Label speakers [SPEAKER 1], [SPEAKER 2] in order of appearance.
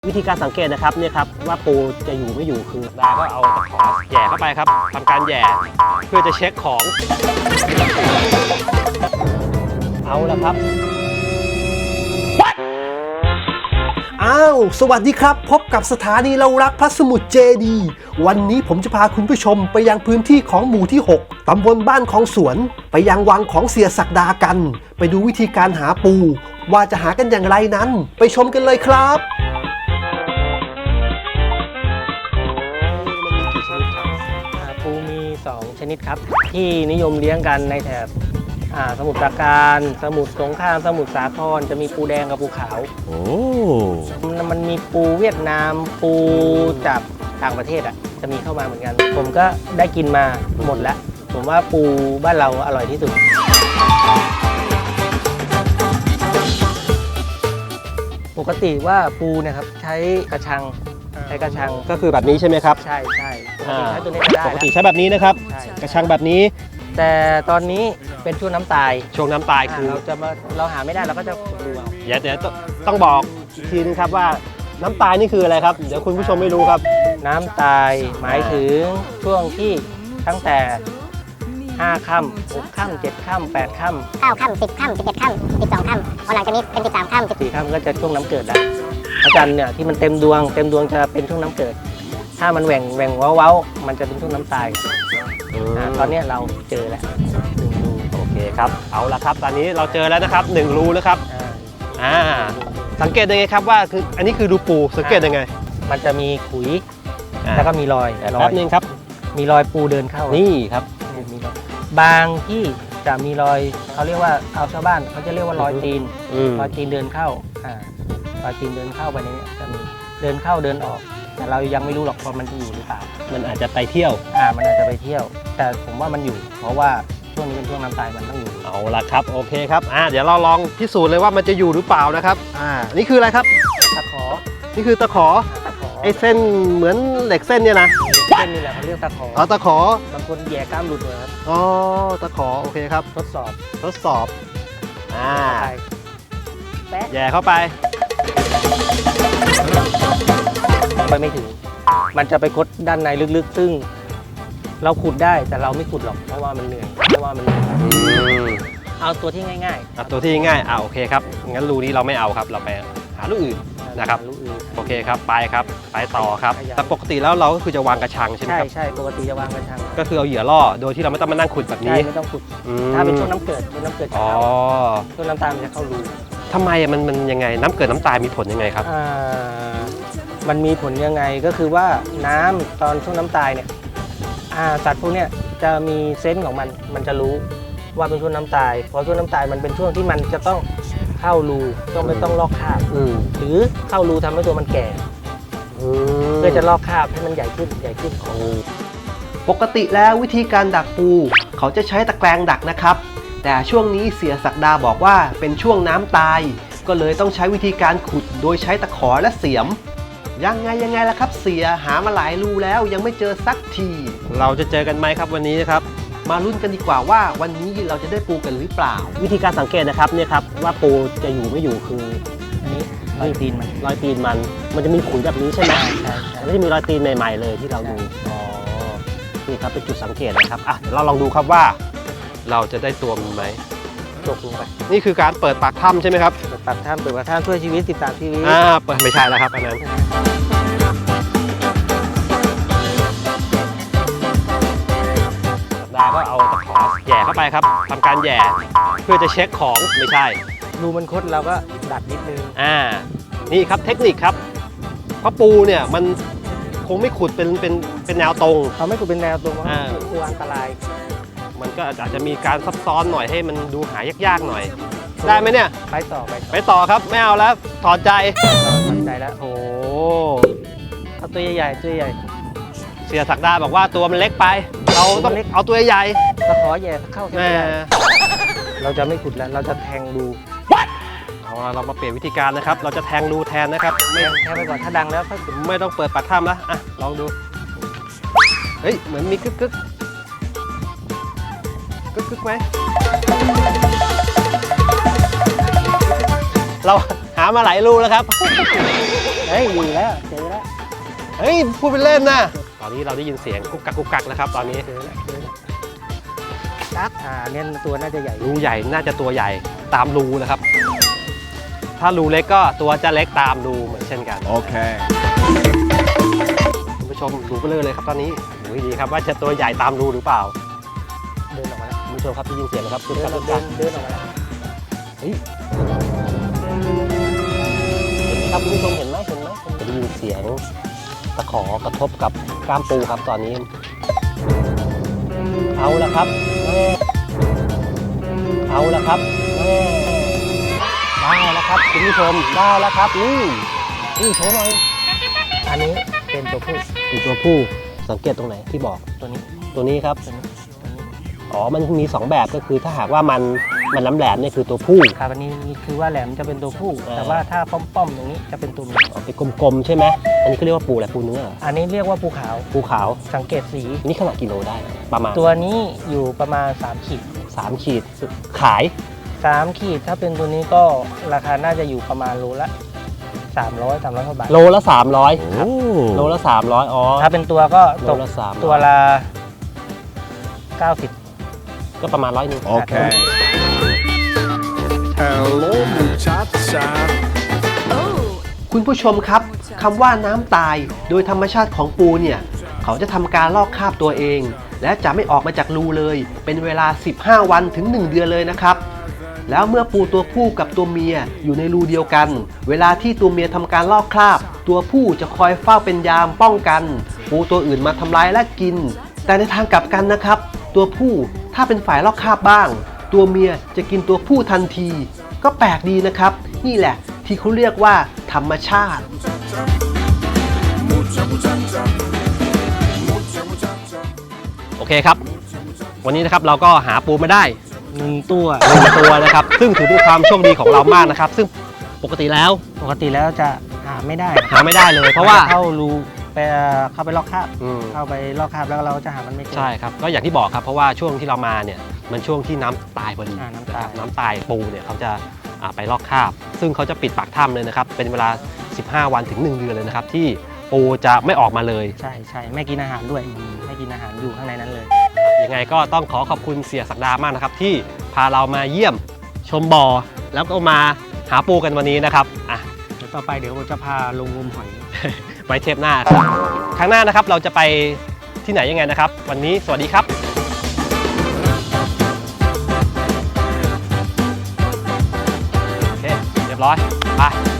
[SPEAKER 1] วิธีการสังเกตนะครับเนี่ยครับว่าปูจะอยู่ไม่อยู่คือดาก็เอาตะขอแย่เข้าไปครับทำการแย่เพื่อจะเช็คของเอาละครับ
[SPEAKER 2] อ้าวสวัสดีครับพบกับสถานีเรารักพระสมุทรเจดีย์วันนี้ผมจะพาคุณผู้ชมไปยังพื้นที่ของหมู่ที่ 6 ตำบลบ้านของสวนไปยังวังของเสียศักดากันไปดูวิธีการหาปูว่าจะหากันอย่างไรนั้นไปชมกันเลยครับ
[SPEAKER 3] ปูมี2ชนิดครับที่นิยมเลี้ยงกันในแถบสมุทรปราการสมุทรสงครามสมุทรสาครจะมีปูแดงกับปูขาวมันมีปูเวียดนามปูจากต่างประเทศจะมีเข้ามาเหมือนกันผมก็ได้กินมาหมดแล้วผมว่าปูบ้านเราอร่อยที่สุดปกติว่าปูเนี่ยครับใช้กระชัง
[SPEAKER 1] ก็คือแบบนี้ใช่ไหมครับ
[SPEAKER 3] ใช่ใช่ใช้ตัวนี้ได้
[SPEAKER 1] ปกติใช้แบบนี้นะครับกระชังแบบนี้
[SPEAKER 3] แต่ตอนนี้เป็นช่วงน้ำตาย
[SPEAKER 1] คือ
[SPEAKER 3] เราหาไม่ได้เราก็จะขุดดูเอา
[SPEAKER 1] เดี๋ยวต้องบอกอีกทีนึงครับว่าน้ำตายนี่คืออะไรครับเดี๋ยวคุณผู้ชมไม่รู้ครับ
[SPEAKER 3] น้ำตายหมายถึงช่วงที่ตั้งแต่5 ค่ำ 6 ค่ำ 7 ค่ำ 8 ค่ำ
[SPEAKER 4] 9 ค่ำ 10 ค่ำ 11 ค่ำ 12 ค่ำพอหลังจากนี้เป็น13 ค่ำ
[SPEAKER 3] 14 ค่ำก็จะช่วงน้ำเกิดแล้วพระจันทร์เนี่ยที่มันเต็มดวงจะเป็นช่วงน้ำเกิดถ้ามันแหว่งเว้ามันจะเป็นช่วงน้ำตายตอนนี้เราเจอแล้ว1 รู
[SPEAKER 1] โอเคครับเอาละครับตอนนี้เราเจอแล้วนะครับ1 รูแล้วครับสังเกตยังไงครับว่าคืออันนี้คือรูปูสังเกตยังไง
[SPEAKER 3] มันจะมีขุยแล้วก็มีรอย
[SPEAKER 1] แป๊บนึงครับ
[SPEAKER 3] มีรอยปูเดินเข้า
[SPEAKER 1] นี่ครับ
[SPEAKER 3] บางที่จะมีรอยเขาเรียกว่าเอาชาวบ้านเขาจะเรียกว่ารอยตีนเดินเข้ารอยตีนเดินเข้าไปนี้จะมีเดินเข้าเดินออกแต่เรายังไม่รู้หรอกว่ามันจะอยู่หรือเปล่า
[SPEAKER 1] มันอาจจะไปเที่ยว
[SPEAKER 3] มันอาจจะไปเที่ยวแต่ผมว่ามันอยู่เพราะว่าช่วงนี้เป็นช่วงน้ำตายมันต้องอยู่
[SPEAKER 1] เอาละครับโอเคครับเดี๋ยวเราลองพิสูจน์เลยว่ามันจะอยู่หรือเปล่านะครับนี่คืออะไรครับ
[SPEAKER 3] ตะขอ
[SPEAKER 1] นี่คือตะขอไอ้เส้นเหมือนเหล็กเส้นเนี่ยนะ
[SPEAKER 3] เส้นนี่แหละเขาเรียกตะขอ
[SPEAKER 1] ตะข
[SPEAKER 3] อบางคนแย่กล้ามหลุดเลยครับ
[SPEAKER 1] ตะขอโอเคครับ
[SPEAKER 3] ทดสอบ
[SPEAKER 1] แย่เข้าไป
[SPEAKER 3] ไม่ถึงมันจะไปคดด้านในลึกๆซึ่งเราขุดได้แต่เราไม่ขุดหรอกเพราะว่ามันเหนื่อยเอาตัวที่ง่าย
[SPEAKER 1] โอเคครับงั้นรูนี้เราไม่เอาครับเราไปหารูอื่นนะครับโอเคครับไปต่อครับแต่ปกติแล้วเราก็คือจะวางกระชังใช่ไหมครับ
[SPEAKER 3] ใช่ปกติจะวางกระชัง
[SPEAKER 1] ก็คือเอาเหยื่อล่อโดยที่เราไม่ต้องมานั่งขุดแบบนี้
[SPEAKER 3] ไม่ต้องขุดถ้าเป็นช่วงน้ำเกิดจะเข้าช่วงน้ำตาลมันจะเข้ารู
[SPEAKER 1] ทำไมมันยังไงน้ำเกิดน้ำตายมีผลยังไงครับ
[SPEAKER 3] มันมีผลยังไงก็คือว่าน้ำตอนช่วงน้ำตายเนี่ยสัตว์พวกเนี้ยจะมีเซนส์ของมันจะรู้ว่าเป็นช่วงน้ำตายเพราะช่วงน้ำตายมันเป็นช่วงที่มันจะต้องเข้ารูไม่ต้องลอกคราบหรือเข้ารูทำให้ตัวมันแก่เพื่อจะลอกคราบให้มันใหญ่ขึ้น
[SPEAKER 2] ปกติแล้ววิธีการดักปูเขาจะใช้ตะแกรงดักนะครับแต่ช่วงนี้เสียศักดาบอกว่าเป็นช่วงน้ำตายก็เลยต้องใช้วิธีการขุดโดยใช้ตะขอและเสียมยังไงล่ะครับเสียหามาหลายรูแล้วยังไม่เจอสักที
[SPEAKER 1] เราจะเจอกันไหมครับวันนี้นะครับ
[SPEAKER 2] มาลุ้นกันดีกว่าว่าวันนี้เราจะได้ปูกันหรือเปล่า
[SPEAKER 1] วิธีการสังเกตนะครับเนี่ยครับว่าปูจะอยู่ไม่อยู่คือ
[SPEAKER 3] อันนี้รอยตีน
[SPEAKER 1] มันจะมีขุยแบบนี้ใช่ไหมไม่จะมีรอยตีนใหม่ๆเลยที่เราดูนี่ครับเป็นจุดสังเกตนะครับเดี๋ยวเราลองดูครับว่าเราจะได้ตัวมันไหม
[SPEAKER 3] ตกลงไป
[SPEAKER 1] นี่คือการเปิดปากถ้ำใช่ไหมครับ
[SPEAKER 3] เปิดปากถ้ำช่วยชีวิต13 ชีวิต
[SPEAKER 1] เปิดไม่ใช่แล้วครับอันนั้นดาก็เอาตะขอแย่เข้าไปครับทำการแย่เพื่อจะเช็คของไม่ใช่
[SPEAKER 3] รูมันคดเราก็ดัดนิดนึง
[SPEAKER 1] นี่ครับเทคนิคครับเพราะปูเนี่ยมันคงไม่ขุดเป็นแนวตรง
[SPEAKER 3] เขาไม่ขุดเป็นแนวตรงเพราะปูอันตราย
[SPEAKER 1] มันก็อาจจะมีการซับซ้อนหน่อยให้มันดูหายากๆหน่อยได้ไหมเนี่ย
[SPEAKER 3] ไป
[SPEAKER 1] ต่อครับไม่เอาแล้วถอดใจ
[SPEAKER 3] แล้ว
[SPEAKER 1] โอ้
[SPEAKER 3] เอาตัวใหญ่
[SPEAKER 1] เสียศักดาบอกว่าตัวมันเล็กไปเราต้องเอาตัวใหญ่
[SPEAKER 3] ตะขอแย่เข้าแค่เราจะไม่ขุดแล้วเราจะแทงรู
[SPEAKER 1] เรามาเปลี่ยนวิธีการนะครับเราจะแทงรูแทนนะครับ
[SPEAKER 3] แทงไปก่อนถ้าดังแล้ว
[SPEAKER 1] ไม่ต้องเปิดปากถ้ำแล้วลองดูเฮ้ยเหมือนมีกึกไหมเราหามาหลายรูแล้วครับ
[SPEAKER 3] เฮ้ยอยู่แล้วเจอแล้ว
[SPEAKER 1] เฮ้ยพูดเป็นเล่นนะตอนนี้เราได้ยินเสียงกุกกักกุกกักนะครับตอนนี้
[SPEAKER 3] เจอแล้วกักเนี่ยตัวน่าจะใหญ่
[SPEAKER 1] รูใหญ่น่าจะตัวใหญ่ตามรูนะครับ ถ้ารูเล็กก็ตัวจะเล็กตามรูเหมือนเช่นกัน
[SPEAKER 2] โอเค
[SPEAKER 1] คุณผู้ชมดูไปเลยครับตอนนี้ดูให้ดีครับว่าจะตัวใหญ่ตามรูหรือเปล่า
[SPEAKER 3] เดินออกมาแล้ว
[SPEAKER 1] คุณผู้ชมครับได้ยินเสียงนะครับกุก
[SPEAKER 3] เดิ
[SPEAKER 1] กั
[SPEAKER 3] น
[SPEAKER 1] ก
[SPEAKER 3] อ
[SPEAKER 1] กุ
[SPEAKER 3] อก
[SPEAKER 1] กกัก
[SPEAKER 3] เดินออกมาแล้ว
[SPEAKER 1] เฮ้ยครับคุณผู้ชมเห็นไหมจะได้ยินเสียงตะขอกระทบกับกล้ามปูครับตอนนี้เอาละครับเอาละครับได้แล้วครับคุณผู้ชมได้แล้วครับนี่โชว์หน่อย
[SPEAKER 3] อันนี้เป็นตัวผู้
[SPEAKER 1] เป็นตัวผู้สังเกตตรงไหนที่บอก
[SPEAKER 3] ตัวนี้
[SPEAKER 1] ตัวนี้ครับ
[SPEAKER 3] ตัวนี้
[SPEAKER 1] อ๋อมันมี2แบบก็คือถ้าหากว่ามันแหลมๆเนี่ยคือตัวผู้
[SPEAKER 3] ครับอันนี้คือว่าแหลมจะเป็นตัวผู้
[SPEAKER 1] อ่า
[SPEAKER 3] แต่ว่าถ้าป้อมๆตรงนี้จะเป็นตัวเมีย
[SPEAKER 1] เอาไปกลมๆใช่ไหมอันนี้เขาเรียกว่าปูอะไรปูเนื้อเหรอ
[SPEAKER 3] อันนี้เรียกว่าปูขาว
[SPEAKER 1] ปูขาว
[SPEAKER 3] สังเกตสี
[SPEAKER 1] นี่ขนาดกิโลได้ประมาณ
[SPEAKER 3] ตัวนี้อยู่ประมาณ3ขีด
[SPEAKER 1] 3 ขีดขาย
[SPEAKER 3] 3ขีดถ้าเป็นตัวนี้ก็ราคาน่าจะอยู่ประมาณโลละ300 300กว่าบาท
[SPEAKER 1] โลละ300โลละ300อ๋อ
[SPEAKER 3] ถ้าเป็นตัวก็
[SPEAKER 1] โล
[SPEAKER 3] ตก
[SPEAKER 1] ละ300
[SPEAKER 3] ตัวละ90
[SPEAKER 1] ก็ประมาณ100
[SPEAKER 3] โอเค
[SPEAKER 5] Hello, muchacha.
[SPEAKER 2] คุณผู้ชมครับคำว่าน้ำตายโดยธรรมชาติของปูเนี่ยเขาจะทำการลอกคราบตัวเอง และจะไม่ออกมาจากรูเลย เป็นเวลา 15 วันถึง 1 เดือนเลยนะครับ แล้วเมื่อปูตัวผู้กับตัวเมียอยู่ในรูเดียวกัน เวลาที่ตัวเมียทำการลอกคราบ ตัวผู้จะคอยเฝ้าเป็นยามป้องกัน ปูตัวอื่นมาทำร้ายและกิน แต่ในทางกลับกันนะครับ ตัวผู้ถ้าเป็นฝ่ายลอกคราบบ้าง ตัวเมียจะกินตัวผู้ทันที ก็แปลกดีนะครับ นี่แหละที่เขาเรียกว่าธรรมชาติ
[SPEAKER 1] โอเคครับ วันนี้นะครับเราก็หาปูมาได้
[SPEAKER 3] 1 ตัว
[SPEAKER 1] 1 ตัวนะครับ ซึ่งถือเป็นความโชคดีของเรามากนะครับ ซึ่งปกติแล้ว
[SPEAKER 3] ปกติแล้วจะหาไม่ได้
[SPEAKER 1] หาไม่ได้เลยเพราะว่า
[SPEAKER 3] เข้ารูไปเข้าไปลอกคราบ
[SPEAKER 1] อืม
[SPEAKER 3] เข้าไปลอกคราบแล้วเราจะหามันไม่เจอ
[SPEAKER 1] ใช่ครับก็อย่างที่บอกครับเพราะว่าช่วงที่เรามาเนี่ยมันช่วงที่น้ำตายพอดี
[SPEAKER 3] น้ำตาย
[SPEAKER 1] นะครับน้ำตายปูเนี่ยเขาจะไปลอกคราบ ซึ่งเขาจะปิดปากถ้ำเลยนะครับเป็นเวลา 15 วันถึง 1 เดือนเลยนะครับที่ปูจะไม่ออกมาเลย
[SPEAKER 3] ใช่ใช่ไม่กินอาหารด้วยไม่กินอาหารอยู่ข้างในนั้นเลย
[SPEAKER 1] ยังไงก็ต้องขอขอบคุณเสียศักดามากนะครับที่พาเรามาเยี่ยมชมบ่อแล้วก็มาหาปูกันวันนี้นะครับอ่ะ
[SPEAKER 3] เดี๋ยวต่อไปเดี๋ยวผมจะพาลงงมหอย
[SPEAKER 1] ไว้เทปหน้าครับครั้งหน้านะครับเราจะไปที่ไหนยังไงนะครับ วันนี้สวัสดีครับโอเคเรียบร้อยไป